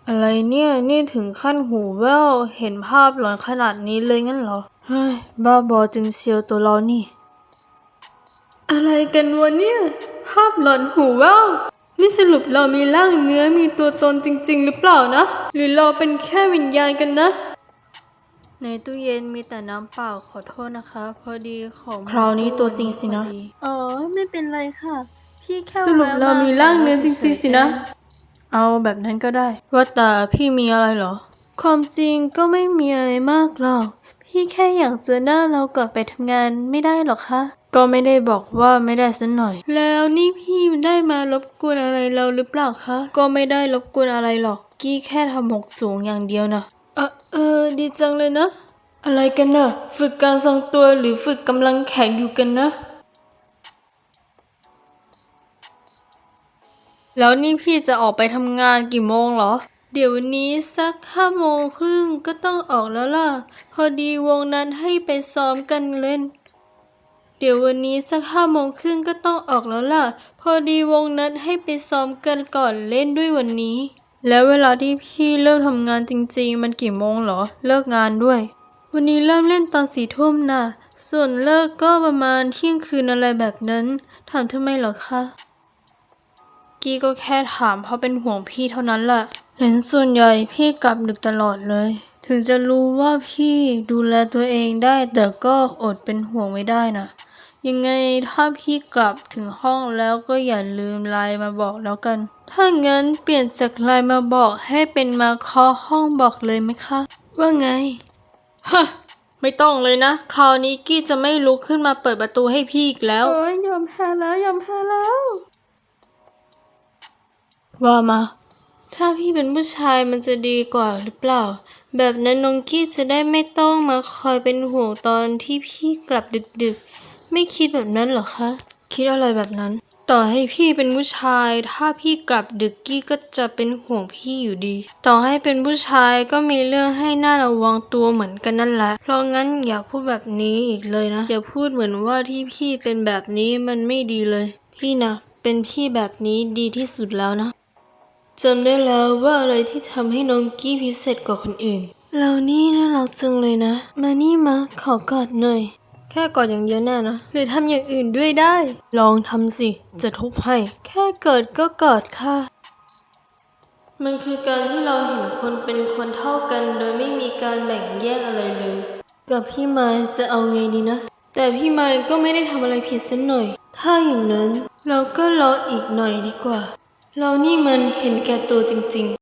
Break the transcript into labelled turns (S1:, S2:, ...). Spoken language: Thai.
S1: อะไรเนี่ยนี่ถึงขั้นหูแว่วเห็นภาพหลอนขนาดนี้เลยงั้นเหรอเฮ้ยบ้าบอจึงเชียวตัวเรานี่อะไรกันวะเนี่ยภาพหลอนหูแว่วนี่สรุปเรามีร่างเนื้อมีตัวตนจริงๆหรือเปล่านะหรือเราเป็นแค่วิญญาณกันนะในตู้เย็นมีแต่น้ำเปล่าขอโทษนะคะพอดีของคราวนี้ตัวจริงสินะ
S2: อ๋อไม่เป็นไรค่ะพี่แค่
S1: สรุปเรามีร่างเนื้อจริงๆสินะเอาแบบนั้นก็ได้ว่าแต่พี่มีอะไรเหรอ
S2: ความจริงก็ไม่มีอะไรมากหรอกพี่แค่อยากเจอหน้าเราก่อนไปทำงานไม่ได้หรอคะ
S1: ก็ไม่ได้บอกว่าไม่ได้สักหน่อยแล้วนี่พี่ได้มารบกวนอะไรเราหรือเปล่าคะก็ไม่ได้รบกวนอะไรหรอกกี้แค่ทำหกสูงอย่างเดียวนะดีจังเลยนะอะไรกันน่ะฝึกการทรงตัวหรือฝึกกำลังแข็งอยู่กันนะแล้วนี่พี่จะออกไปทำงานกี่โมงเหรอเดี๋ยววันนี้สัก5 โมงครึ่งก็ต้องออกแล้วล่ะพอดีวงนั้นให้ไปซ้อมกันเล่นเดี๋ยววันนี้สัก5 โมงครึ่งก็ต้องออกแล้วล่ะพอดีวงนั้นให้ไปซ้อมกันก่อนเล่นด้วยวันนี้แล้วเวลาที่พี่เริ่มทำงานจริงๆมันกี่โมงเหรอเลิกงานด้วยวันนี้เริ่มเล่นตอน4 ทุ่มน่ะส่วนเลิกก็ประมาณเที่ยงคืนอะไรแบบนั้นถามทำไมเหรอคะกี้ก็แค่ถามเพราะเป็นห่วงพี่เท่านั้นแหละเห็นส่วนใหญ่พี่กลับดึกตลอดเลยถึงจะรู้ว่าพี่ดูแลตัวเองได้แต่ก็อดเป็นห่วงไม่ได้นะยังไงถ้าพี่กลับถึงห้องแล้วก็อย่าลืมไลน์มาบอกแล้วกันถ้างั้นเปลี่ยนจากไลน์มาบอกให้เป็นมาเคาะห้องบอกเลยไหมคะว่าไงฮะไม่ต้องเลยนะคราวนี้กี้จะไม่ลุกขึ้นมาเปิดประตูให้พี่อีกแล้ว
S2: โอ้ยยอมแพ้แล้วยอมแพ้แล้ว
S1: ว่ามาถ้าพี่เป็นผู้ชายมันจะดีกว่าหรือเปล่าแบบนั้นน้องกี้จะได้ไม่ต้องมาคอยเป็นห่วงตอนที่พี่กลับดึกๆไม่คิดแบบนั้นเหรอคะคิดอะไรแบบนั้นต่อให้พี่เป็นผู้ชายถ้าพี่กลับดึกกี้ก็จะเป็นห่วงพี่อยู่ดีต่อให้เป็นผู้ชายก็มีเรื่องให้น่าระวังตัวเหมือนกันนั่นแหละเพราะงั้นอย่าพูดแบบนี้อีกเลยนะอย่าพูดเหมือนว่าที่พี่เป็นแบบนี้มันไม่ดีเลยพี่นะเป็นพี่แบบนี้ดีที่สุดแล้วนะจำได้แล้วว่าอะไรที่ทำให้น้องกี้พิเศษกว่าคนอื่นเรานี่น่ารักจังเลยนะมานี่มาขอกอดหน่อยแค่กอดอย่างเดียวแน่นะหรือทำอย่างอื่นด้วยได้ลองทำสิจะทุบให้แค่กอดก็กอดค่ะมันคือการที่เราเห็นคนเป็นคนเท่ากันโดยไม่มีการแบ่งแยกอะไรเลยกับพี่ไม้จะเอาไงดีนะแต่พี่ไม้ก็ไม่ได้ทำอะไรผิดสักหน่อยถ้าอย่างนั้นเราก็รออีกหน่อยดีกว่าเรานี่มันเห็นแก่ตัวจริงๆ